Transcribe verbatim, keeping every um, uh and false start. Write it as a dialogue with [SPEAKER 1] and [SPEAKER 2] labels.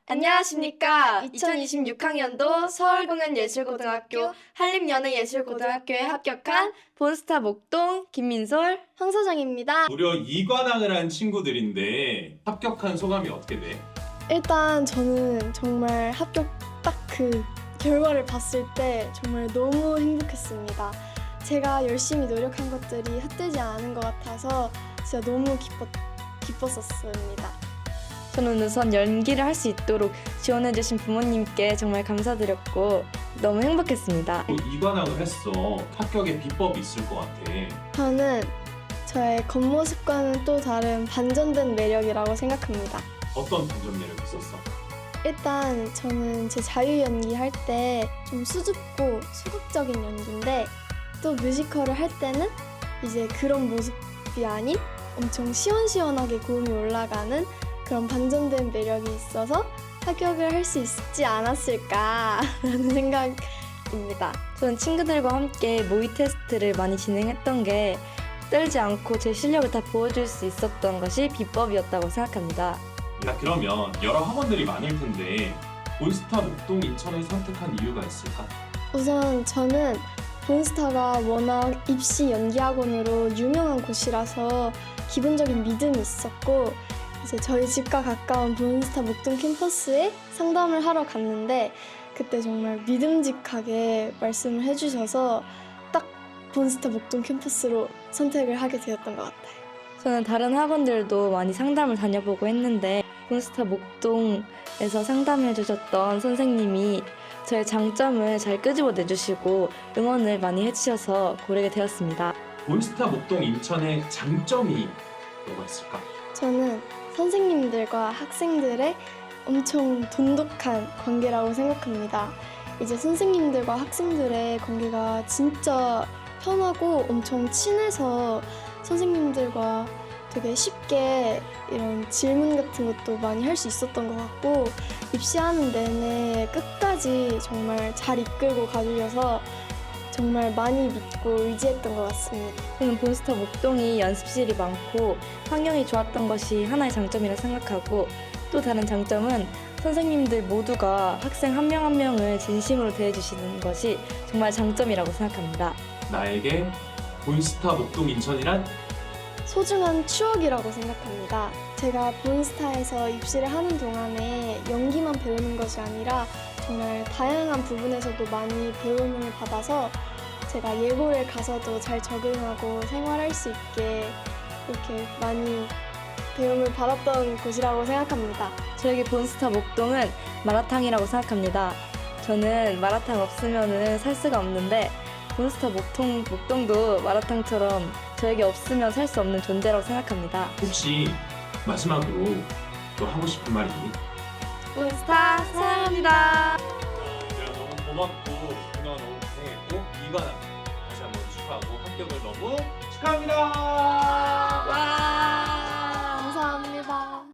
[SPEAKER 1] 안녕하십니까. 이천이십육 학년도 서울공연예술고등학교 한림연예예술고등학교에 합격한 본스타 목동 김민솔
[SPEAKER 2] 황서정입니다.
[SPEAKER 3] 무려 이관왕을 한 친구들인데 합격한 소감이 어떻게 돼?
[SPEAKER 2] 일단 저는 정말 합격 딱 그 결과를 봤을 때 정말 너무 행복했습니다. 제가 열심히 노력한 것들이 헛되지 않은 것 같아서 진짜 너무 기뻤, 기뻤었습니다.
[SPEAKER 1] 저는 우선 연기를 할 수 있도록 지원해주신 부모님께 정말 감사드렸고 너무 행복했습니다.
[SPEAKER 3] 이관왕을 했어. 합격의 비법이 있을 것 같아.
[SPEAKER 2] 저는 저의 겉모습과는 또 다른 반전된 매력이라고 생각합니다.
[SPEAKER 3] 어떤 반전 매력이 있었어?
[SPEAKER 2] 일단 저는 제 자유 연기할 때 좀 수줍고 소극적인 연기인데 또 뮤지컬을 할 때는 이제 그런 모습이 아닌 엄청 시원시원하게 고음이 올라가는 그런 반전된 매력이 있어서 합격을 할 수 있지 않았을까라는 생각입니다.
[SPEAKER 1] 저는 친구들과 함께 모의 테스트를 많이 진행했던 게 떨지 않고 제 실력을 다 보여줄 수 있었던 것이 비법이었다고 생각합니다.
[SPEAKER 3] 야, 그러면 여러 학원들이 많을 텐데 본스타 목동 인천을 선택한 이유가 있을까?
[SPEAKER 2] 우선 저는 본스타가 워낙 입시 연기학원으로 유명한 곳이라서 기본적인 믿음이 있었고 이제 저희 집과 가까운 본스타 목동 캠퍼스에 상담을 하러 갔는데 그때 정말 믿음직하게 말씀을 해주셔서 딱 본스타 목동 캠퍼스로 선택을 하게 되었던 것 같아요.
[SPEAKER 1] 저는 다른 학원들도 많이 상담을 다녀보고 했는데 본스타 목동에서 상담해 주셨던 선생님이 저의 장점을 잘 끄집어 내주시고 응원을 많이 해주셔서 고르게 되었습니다.
[SPEAKER 3] 본스타 목동 인천의 장점이 뭐가 있을까?
[SPEAKER 2] 저는 선생님들과 학생들의 엄청 돈독한 관계라고 생각합니다. 이제 선생님들과 학생들의 관계가 진짜 편하고 엄청 친해서 선생님들과 되게 쉽게 이런 질문 같은 것도 많이 할 수 있었던 것 같고 입시하는 내내 끝까지 정말 잘 이끌고 가주셔서 정말 많이 믿고 의지했던 것 같습니다.
[SPEAKER 1] 저는 본스타 목동이 연습실이 많고 환경이 좋았던 것이 하나의 장점이라 생각하고 또 다른 장점은 선생님들 모두가 학생 한 명 한 명을 진심으로 대해주시는 것이 정말 장점이라고 생각합니다.
[SPEAKER 3] 나에게 본스타 목동 인천이란
[SPEAKER 2] 소중한 추억이라고 생각합니다. 제가 본스타에서 입시를 하는 동안에 연기만 배우는 것이 아니라 정말 다양한 부분에서도 많이 배움을 받아서 제가 예고를 가서도 잘 적응하고 생활할 수 있게 이렇게 많이 배움을 받았던 곳이라고 생각합니다.
[SPEAKER 1] 저에게 본스타 목동은 마라탕이라고 생각합니다. 저는 마라탕 없으면 살 수가 없는데 본스타 목동, 목동도 마라탕처럼 저에게 없으면 살 수 없는 존재라고 생각합니다.
[SPEAKER 3] 혹시 마지막으로 또 하고 싶은 말 있니?
[SPEAKER 1] 본스타 사랑합니다.
[SPEAKER 3] 얘들아 너무 고맙고 그동안 너무 고생했고 이관왕 다시 한번 축하하고 합격을 너무 축하합니다.